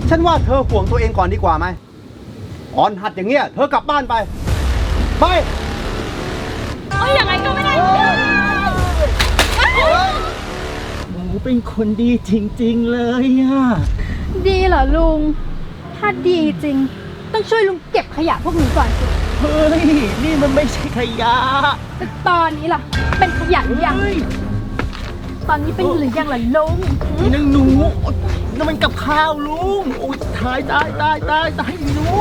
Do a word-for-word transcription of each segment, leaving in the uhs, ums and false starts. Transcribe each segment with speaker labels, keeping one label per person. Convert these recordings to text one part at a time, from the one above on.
Speaker 1: ฉันว่าเธอห่วงตัวเองก่อนดีกว่าไหมอ่อนหัดอย่างเงี้ยเธอกลับบ้านไปไป
Speaker 2: โอ้ยยังไงก็ไม่ได้
Speaker 3: หนูเป็นคนดีจริงๆเลยอะ
Speaker 2: ดีเหรอลุงถ้าดีจริงต้องช่วยลุงเก็บขยะพวกนี้ก่อนสิ
Speaker 3: เฮ้ยนี่มันไม่ใช่ขยะ
Speaker 2: แต่ตอนนี้ล่ะเป็นขยะหรือยังตอนนี้เป็นหรือยังล่ะลุง
Speaker 3: นึงหนูนั่นมันกับข้าวลุงโอ้ยตายตายตายตายตายหนู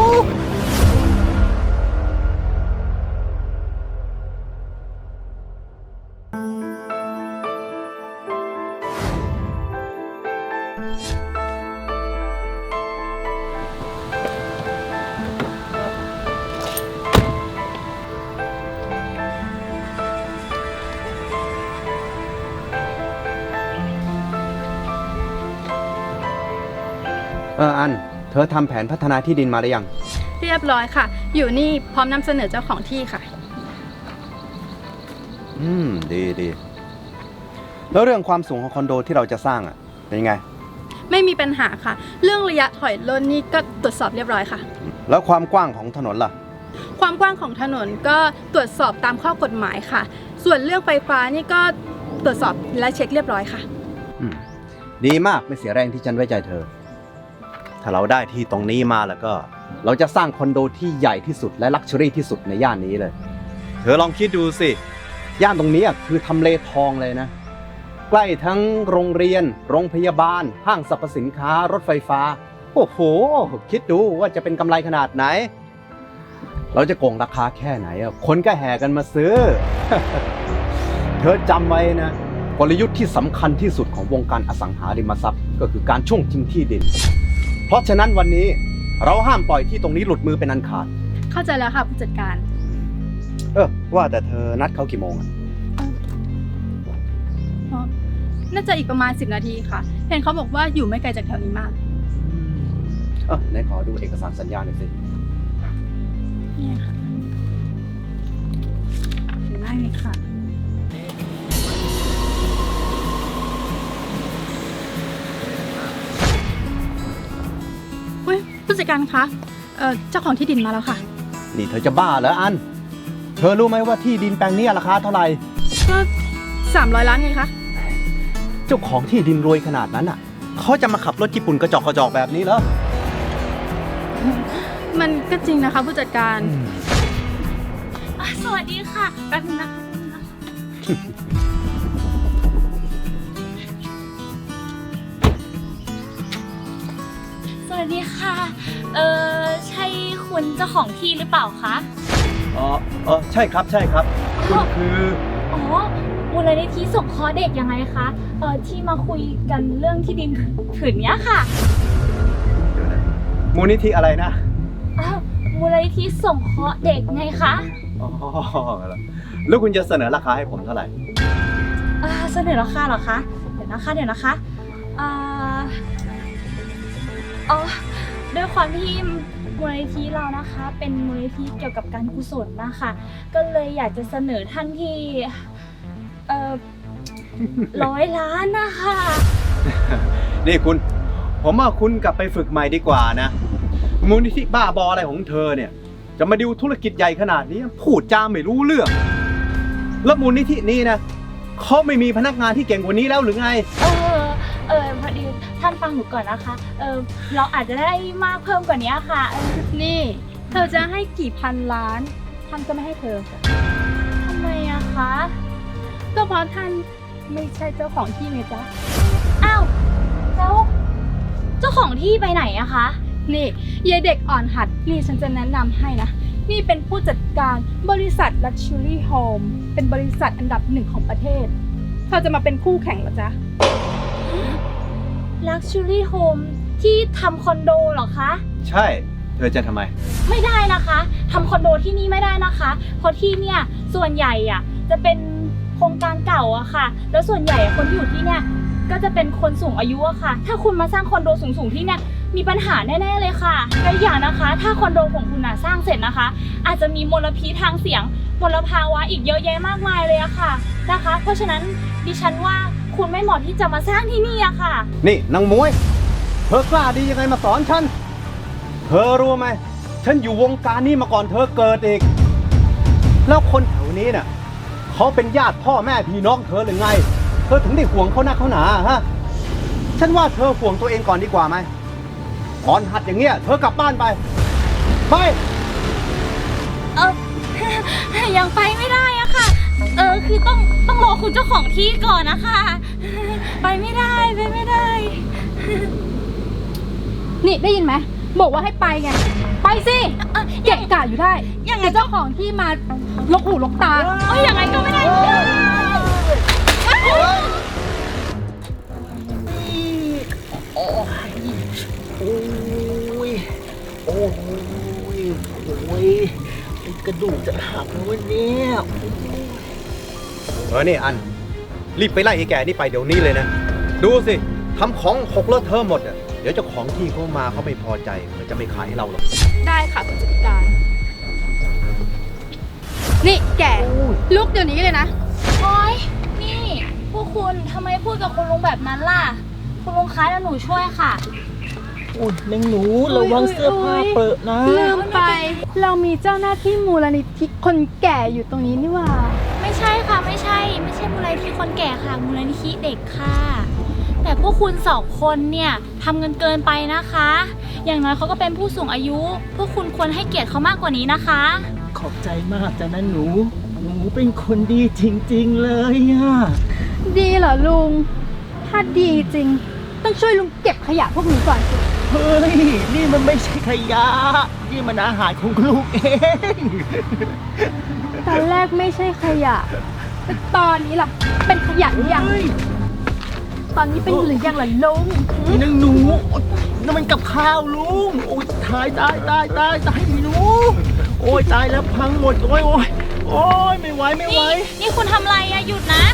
Speaker 1: เอออันเธอทำแผนพัฒนาที่ดินมาหรือยัง
Speaker 2: เรียบร้อยค่ะอยู่นี่พร้อมนำเสนอเจ้าของที่ค่ะ
Speaker 1: อืมดีดีแล้วเรื่องความสูงของคอนโดที่เราจะสร้างอ่ะเป็นยังไง
Speaker 2: ไม่มีปัญหาค่ะเรื่องระยะถอยร่นนี่ก็ตรวจสอบเรียบร้อยค่ะ
Speaker 1: แล้วความกว้างของถนนล่ะ
Speaker 2: ความกว้างของถนนก็ตรวจสอบตามข้อกฎหมายค่ะส่วนเรื่องไฟฟ้านี่ก็ตรวจสอบและเช็คเรียบร้อยค่ะ
Speaker 1: อืมดีมากไม่เสียแรงที่ฉันไว้ใจเธอถ้าเราได้ที่ตรงนี้มาแล้วก็เราจะสร้างคอนโดที่ใหญ่ที่สุดและลักชัวรี่ที่สุดในย่านนี้เลยเธอลองคิดดูสิย่านตรงนี้คือทำเลทองเลยนะใกล้ทั้งโรงเรียนโรงพยาบาลห้างสรรพสินค้ารถไฟฟ้าโอ้โหคิดดูว่าจะเป็นกำไรขนาดไหนเราจะโกงราคาแค่ไหนอ่ะคนก็แห่กันมาซื้อ เธอจำไว้นะกลยุทธ์ที่สำคัญที่สุดของวงการอสังหาริมทรัพย์ก็คือการช่วงชิงที่ดินเพราะฉะนั้นวันนี้เราห้ามปล่อยที่ตรงนี้หลุดมือเป็นอันขาด
Speaker 2: เข้าใจแล้วค่ะผู้จัดการ
Speaker 1: เออว่าแต่เธอนัดเขากี่โมงอ่ะ
Speaker 2: น่าจะอีกประมาณสิบนาทีค่ะเห็นเขาบอกว่าอยู่ไม่ไกลจากแถวนี้มาก
Speaker 1: เออไหนขอดูเอกสารสัญญาหน่อยสิ
Speaker 2: นี่ค่ะได้เลยค่ะผู้จัดการคะเอ่อเจ้าของที่ดินมาแล้วค่ะ
Speaker 1: นี่เธอจะบ้าเหรออันเธอรู้ไหมว่าที่ดินแปลงนี้ราคาเท่าไหร่
Speaker 2: ก็สามร้อยล้านไงคะ
Speaker 1: เจ้าของที่ดินรวยขนาดนั้นอ่ะเขาจะมาขับรถญี่ปุ่นกระจอกกระจอกแบบนี้เหรอ
Speaker 2: มันก็จริงนะคะผู้จัดการ
Speaker 4: สวัสดีค่ะแป๊บนึงนะสวัสดีค่ะเออใช่คุณเจ้าของที่หรือเปล่าคะ
Speaker 1: อ๋อเออใช่ครับใช่ครับคุณคือ
Speaker 4: อ๋อมูลนิธิสงเคราะห์เด็กยังไงคะเออที่มาคุยกันเรื่องที่ดินผืนนี้ค่ะ
Speaker 1: มูลนิธิอะไรนะ
Speaker 4: อ้าวมูลนิธิสงเคราะห์เด็กไงคะ
Speaker 1: อ๋อแล้วคุณจะเสนอราคาให้ผมเท่าไหร่
Speaker 4: อ่าเสนอราคาเหรอคะเดี๋ยวนะคะเดี๋ยวนะคะอ่าอ๋อด้วยความที่มูลนิธิเรานะคะเป็นมูลนิธิเกี่ยวกับการกุศลนะคะก็เลยอยากจะเสนอท่านที่เอ่อร้อยล้านนะคะ
Speaker 1: นี่คุณผมว่าคุณกลับไปฝึกใหม่ดีกว่านะมูลนิธิบ้าบออะไรของเธอเนี่ยจะมาดิวธุรกิจใหญ่ขนาดนี้พูดจาไม่รู้เรื่องแล้วมูลนิธินี้นะเขาไม่มีพนักงานที่เก่งกว่านี้แล้วหรือไง
Speaker 4: เออเออพอดีท่านฟังหนูก่อนนะคะเออเราอาจจะได้มากเพิ่มกว่านี้ค่ะ
Speaker 2: นี่เธอจะให้กี่พันล้านท่านก็ไม่ให้เธอ
Speaker 4: ทำไมอะคะ
Speaker 2: ก็เพราะท่านไม่ใช่เจ้าของที่ไงจ๊ะ
Speaker 4: อ้าวแล้วเจ้าของที่ไปไหนอะคะ
Speaker 2: นี่ยายเด็กอ่อนหัดนี่ฉันจะแนะนำให้นะนี่เป็นผู้จัดการบริษัท Luxury Home เป็นบริษัทอันดับหนึ่งของประเทศเธอจะมาเป็นคู่แข่งเหรอจ๊ะ
Speaker 4: Luxury Home ที่ทำคอนโดเหรอคะ
Speaker 1: ใช่เธอจะทำไม
Speaker 4: ไม่ได้นะคะทำคอนโดที่นี่ไม่ได้นะคะเพราะที่เนี่ยส่วนใหญ่อะจะเป็นโครงการเก่าอะค่ะแล้วส่วนใหญ่คนที่อยู่ที่เนี่ยก็จะเป็นคนสูงอายุอะค่ะถ้าคุณมาสร้างคอนโดสูงๆที่เนี่ยมีปัญหาแน่ๆเลยค่ะและอย่างนะคะถ้าคอนโดของคุณน่ะสร้างเสร็จนะคะอาจจะมีมลพิษทางเสียงมลภาวะอีกเยอะแยะมากมายเลยอะค่ะนะคะเพราะฉะนั้นดิฉันว่าคุณไม่เหมาะที่จะมาสร้างที่นี่อะค่ะ
Speaker 1: นี่นางมวยเธอกล้าดียังไงมาสอนฉัน เธอรู้ไหม ฉันอยู่วงการนี้มาก่อนเธอเกิดอีก แล้วคนแถวนี้น่ะเขาเป็นญาติพ่อแม่พี่น้องเธอหรือไง เธอถึงได้ห่วงเขาหน้าเขาหนาฮะ ฉันว่าเธอห่วงตัวเองก่อนดีกว่าไหมอ่อนหัดอย่างเงี้ย เธอกลับบ้านไป ไป
Speaker 4: เออ ยังไปไม่ได้อะค่ะ เออคือต้องต้องรอคุณเจ้าของที่ก่อนนะคะ ไปไม่ได้ไปไม่ได้
Speaker 2: นี่ได้ยินไหมบอกว่าให้ไปไง ไปสิเกะกะอยู่ได้
Speaker 4: ยังไง
Speaker 2: เดี๋ยวเจ้าของที่มาลกหูลกตา
Speaker 4: เอ้ยยังไงก็ไม่ได้
Speaker 3: โอ้ย โอ้ย โอ้ยกระดูกจะหักแล้ววันนี้
Speaker 1: เออนี่อัน รีบไปไล่ไอ้แก่นี่ไปเดี๋ยวนี้เลยนะ ดูสิทำของหกเลอะเทอะหมดอ่ะ เดี๋ยวเจ้าของที่เขามาเขาไม่พอใจเขาจะไม่ขายให้เราหรอก
Speaker 2: ได้ค่ะผู้จัดการ นี่แกลุกเดี๋ยวนี้เลยนะ
Speaker 4: โอ๊ยนี่พวกคุณทำไมพูดกับคุณลุงแบบนั้นล่ะ คุณลุงคะแล้วหนูช่วยค่ะ
Speaker 3: โอ้ยนางหนูระวังเสื้อผ้าเปิดนะ
Speaker 2: ลืมไป เรามีเจ้าหน้าที่มูลนิธิคนแก่อยู่ตรงนี้นี่หว่า
Speaker 4: ไม่ใช่ค่ะไม่ใช่ ไม่ใช่มูลนิธิคนแก่ค่ะมูลนิธิเด็กค่ะ แต่พวกคุณสองคนเนี่ยทำเงินเกินไปนะคะ อย่างน้อยเขาก็เป็นผู้สูงอายุ พวกคุณควรให้เกียรติเขามากกว่านี้นะคะ
Speaker 3: ขอบใจมากจ้ะนะหนู หนูเป็นคนดีจริงๆเลยอ่ะ
Speaker 2: ดีเหรอลุง ถ้าดีจริง ต้องช่วยลุงเก็บขยะพวกนี้ก่อนสิ
Speaker 3: เฮ้ย นี่มันไม่ใช่ขยะ นี่มันอาหารของลูกเอง
Speaker 2: ตอนแรกไม่ใช่ขยะ แต่ตอนนี้ล่ะ เป็นขยะหรือยัง ตอนนี้เป็นหรือยังล่ะลุง
Speaker 3: นางหนูโอ๊ยนั่นมันกับข้าวลุง โอ้ยตายตายตายตายตายหนู โอ้ยตายแล้วพังหมด โอ้ยโอ้ยโอ้ยไม่ไหวไม่ไหว
Speaker 4: นี่นี่คุณทำอะไรอะหยุดนะ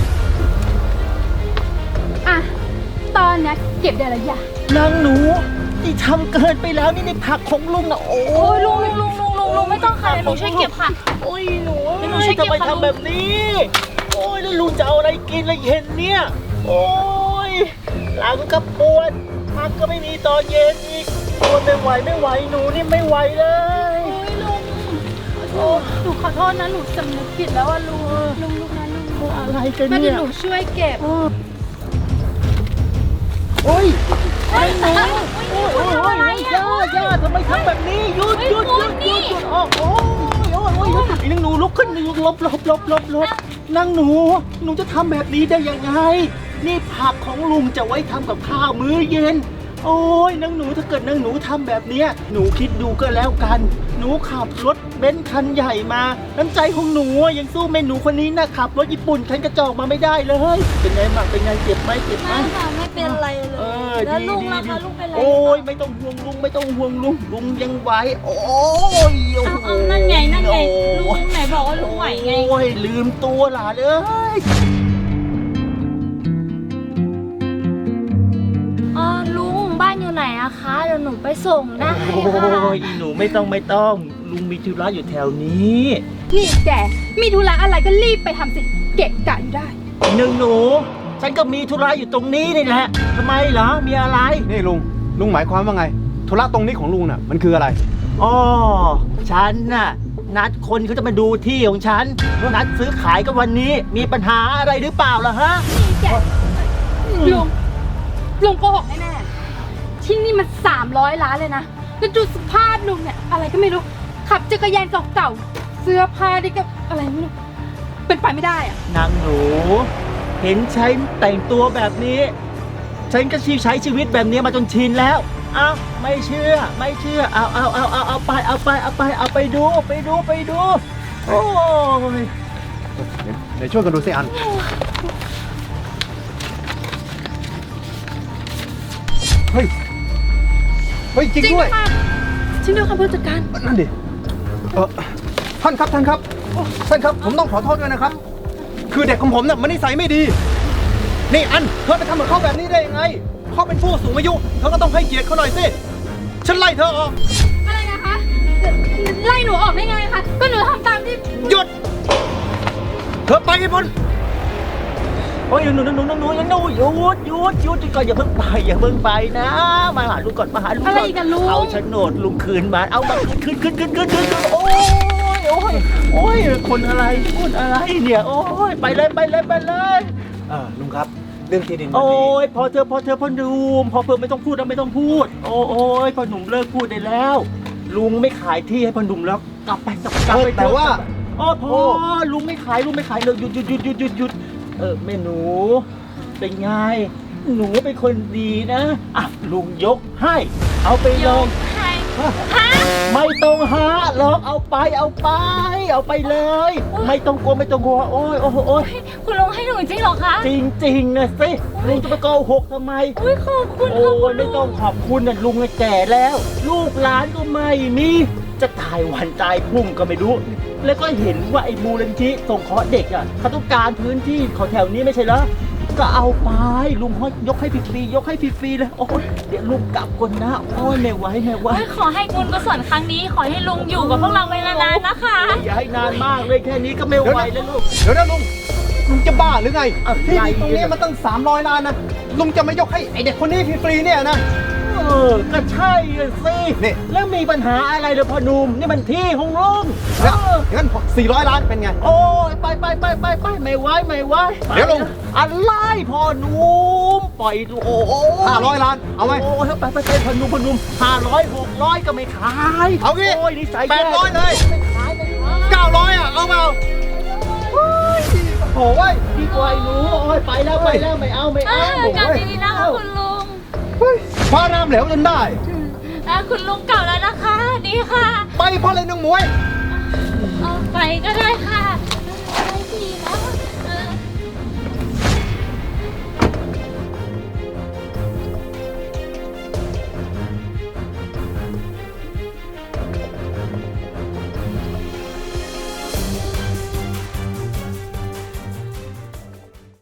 Speaker 2: อ่ะ ตอนนี้เก็บได้แล้วอย่าน
Speaker 3: างหนูนี่ทำเกินไปแล้วนี่ในผักของลุงนะโอ้
Speaker 4: โอ้ย
Speaker 3: ย
Speaker 4: ลุงลุงลุงลุงลุงไม่ต้องค่ะเดี๋ยวหนูช่วยเก็บค่ะ
Speaker 3: โอ้ยหนู
Speaker 4: เดี๋ยวหนูช่วยเก็บ
Speaker 3: ทำไม
Speaker 4: ค่ะลุง
Speaker 3: ทำแบบนี้ โอ้ยแล้วลุงจะเอาอะไรกินละเย็นเนี่ย โอ้ยหลังก็ปวดพักก็ไม่มีตอนเย็นอีกปวดไม่ไหวไม่ไหวหนูนี่ไม่ไหวเลย
Speaker 2: โอ้ยลุงโอ้หนูขอโทษนะ หนูสำนึกผิดแล้วอ่ะลุง ลุงลุงนะลุง
Speaker 3: อะไรกัน
Speaker 2: มา
Speaker 3: เนี่
Speaker 2: เดี๋ย
Speaker 3: ยว
Speaker 2: หนูช่วยเก็บ
Speaker 3: โอ้ย
Speaker 4: เฮ้ย
Speaker 3: โอ้ย
Speaker 4: โอ้ย
Speaker 3: โอ้ย
Speaker 4: คุณทำอะไรอะ
Speaker 3: ย่าย่าทำไมทำแบบนี้หยุดหยุดหยุดหยุดหยุดโอ้โอ้ยโอ้ยโอ้ยโอ้ยไอ้นางหนูลุกขึ้นหนึ่งลบลบลบลบลบนางหนูหนูจะทำแบบนี้ได้ยังไง นี่ผักของลุงจะไว้ทำกับข้าวมื้อเย็น โอ้ยนางหนูถ้าเกิดนางหนูทำแบบเนี้ยหนูคิดดูก็แล้วกัน หนูขับรถเบนซ์คันใหญ่มา น้ำใจของหนูอะยังสู้แม่หนูคนนี้นะขับรถญี่ปุ่นคันกระจอกมาไม่ได้เลย เป็นไงบ้างเป็นไงเจ็บไหมเจ็บไหม
Speaker 4: ไม่ค่ะไม่เป็นไรเล
Speaker 3: เอย อ
Speaker 4: แล้ว
Speaker 3: ดี
Speaker 4: ลุง
Speaker 3: ดี
Speaker 4: ล่ะ
Speaker 3: ดี
Speaker 4: คะลุงเป็นไร
Speaker 3: โอ้ยไม่ต้องห่วงลุงไม่ต้องห่วงลุงลุงยังไหวโอ้ยโอ้
Speaker 4: เอา
Speaker 3: โห
Speaker 4: เอานั่นไงนั่นไงลุ
Speaker 3: โอ้
Speaker 4: ง
Speaker 3: ย
Speaker 4: ไหนบอกว่าลุงไหวไง
Speaker 3: โอ้ยลืมตัวหลานเอ้ย
Speaker 4: อ๋อลุงบ้านอยู่ไหนอะคะเดี๋ยวหนูไปส่งได้
Speaker 3: โอ้
Speaker 4: ค่ะ
Speaker 3: ยหนูไม่ต้องไม่ต้องลุงมีธุระอยู่แถวนี้
Speaker 2: นี่แก มีธุระอะไรก็รีบไปทำสิ เกะกะอยู่ได้
Speaker 3: หนึ่งหนู ฉันก็มีธุระอยู่ตรงนี้นี่แหละทำไมเหรอมีอะไร
Speaker 1: นี่ลุง ลุงหมายความว่าไง ธุระตรงนี้ของลุงน่ะ มันคืออะไร
Speaker 3: อ๋อฉันน่ะนัดคนเขาจะมาดูที่ของฉันนัดซื้อขายกันวันนี้มีปัญหาอะไรหรือเปล่าล่ะฮะ
Speaker 2: นี่แก ลุง ลุงโกหกแน่ๆ ที่นี่มันสามร้อยล้านเลยนะ แล้วดูสภาพลุงเนี่ย อะไรก็ไม่รู้ ขับจักรยานเก่าๆ เสื้อผ้าดิก็อะไรไม่รู้ เป็นไปไม่ได้อะ
Speaker 3: นางหนู เห็นฉันแต่งตัวแบบนี้ ฉันก็ชีใช้ชีวิตแบบนี้มาจนชินแล้วเอาไม่เชื่อไม่เชื่อเอาเอาเอาเอาเอาไปเอาไปเอาไปเอาไปดูไปดูไปดู โอ้ย
Speaker 1: เดี๋ยวช่วยกันดูสิอัน เฮ้ย เฮ้ย จริงด้วย
Speaker 2: ค่ะจริงด้วยค่ะผู้จัดการ
Speaker 1: นั่นดิ เออท่านครับท่านครับ ท่านครับ ผมต้องขอโทษด้วยนะครับ คือเด็กของผมเนี่ยมันนิสัยไม่ดี นี่อัน เธอไปทำกับเขาแบบนี้ได้ยังไง เขาเป็นผู้สูงอายุ เธอก็ต้องให้เกียรติเขาหน่อยสิ ฉันไล่เธอออก
Speaker 2: อะไรนะคะ ไล่หนูออกได้ไงคะ ก็หนูทำตามที่
Speaker 1: หยุด เธอไปให้พ้น
Speaker 3: โอ้ยหนูหนูหนูหนูหนูหนูหยุดหยุดหยุดก่อนอย่าเพิ่งไปอย่าเพิ่งไปนะมาหาลุงก่อนมาหาลุงก่อน
Speaker 2: อะไรกันลุง
Speaker 3: เอาโฉนดลุงคืนมาเอามาคืนคืนคืนคืนคืนคืนโอ้ยโอ้ยโอ้ยคนอะไรคนอะไรเนี่ยโอ้ยไปเลยไปเลยไปเลย
Speaker 1: เออลุงครับ เรื่องที่ดินวัน
Speaker 3: โอ้
Speaker 1: นี้
Speaker 3: ยพอเธอพอเธอพอหนุ่มพอเพิ่มไม่ต้องพูดแล้วไม่ต้องพูด โอ้โอ้ยพอหนุ่มเลิกพูดได้แล้ว ลุงไม่ขายที่ให้พอหนุ่มแล้วกลับไปกลับกลับ
Speaker 1: เออ
Speaker 3: ไป
Speaker 1: แต่ว่า
Speaker 3: โอ้พอลุงไม่ขายลุงไม่ขายเลยหยุดหยุดหยุดหยุดหยุดหยุดเออแม่หนูเป็นไงหนูเป็นคนดีนะอ่ะลุงยกให้ เอาไปลง
Speaker 4: ใครฮะ
Speaker 3: ไม่ต้องหาหรอกเอาไปเอาไป เอาไปเลย ไม่ต้องกลัวไม่ต้องกลัวโอ้ยโอ้ยโอ้ย
Speaker 4: คุณลุงให้หนูจริงเหรอคะ
Speaker 3: จริงๆนะสิลุงจะไปโกหกทำไม
Speaker 4: อุ้ยขอบคุณ
Speaker 3: โอ้
Speaker 4: ขอบคุ
Speaker 3: ย
Speaker 4: ณ
Speaker 3: ไม่ต้องขอบคุณนะลุงแก่แล้ว ลูกหลานก็ไม่มีจะตายวันตายพรุ่งก็ไม่รู้ แล้วก็เห็นว่าไอ้มูลนิธิส่งเคราะห์เด็กอ่ะเขาต้องการพื้นที่เขาแถวนี้ไม่ใช่เหรอก็เอาไปลุงยกให้ฟรีๆยกให้ฟรีๆเลยโอ้ยเดี๋ยวลุงกลับก่อนนะโอ้ยไม่ไหวไม่ไหว
Speaker 4: โอ้ยขอให้บุญกุศลครั้งนี้ ขอให้ลุงอยู่กับพวกเราไปนานๆนะคะ
Speaker 3: อย่าให้นานมากเลยแค่นี้ก็ไม่ไหวแล้วลูก
Speaker 1: เดี๋ยวนะลุง ลุงจะบ้าหรือไง
Speaker 3: อะไร
Speaker 1: ที่ดินตรงนี้มันตั้งสามร้อยล้านนะ ลุงจะไม่ยกให้ไอเด็กคนนี้ฟรีๆเนี่ยนะ
Speaker 3: เออก็ใช่อะสิ
Speaker 1: นี่
Speaker 3: แล้วมีปัญหาอะไรเลยพ่อหนุ่มนี่มันที่ของลุงเอ
Speaker 1: แล้ว
Speaker 3: อ
Speaker 1: งั้นสี่ร้อยล้านเป็นไง
Speaker 3: โอ้ยไปไปไปไปไปไม่ไหวไม่ไหว
Speaker 1: เดี๋ยวลุง
Speaker 3: อะไรพ่อหนุ่มปล่อยโอ้โห
Speaker 1: ห้าร้อยล้าน เอาไหม
Speaker 3: โอ้ยไปไปไปพ่อหนุ่มพ่อหนุ่มห้าร้อยหกร้อยก็ไม่ขาย
Speaker 1: เอางี้
Speaker 3: โอ้ยนิสัย
Speaker 1: แปดร้อยเลย
Speaker 3: ไม่ขายไม่ขาย
Speaker 1: เก้าร้อยอ่ะ เอาเปล่าโอ้ยโอ้ย
Speaker 3: ดีกว่าไอ้หนูโอ้ยไปแล้วไปแล้วไม่เอาไม่
Speaker 4: เอ
Speaker 3: เอา
Speaker 4: อกลับดีๆนะคะคุณลุง
Speaker 1: เฮ้ยพาน้ำเหลวจนได้
Speaker 4: อ่ะคุณลุงกลับแล้วนะคะ ดีค่ะ
Speaker 1: ไปเพราะอะไรน้องหมวย
Speaker 4: เอาไปก็ได้ค่ะ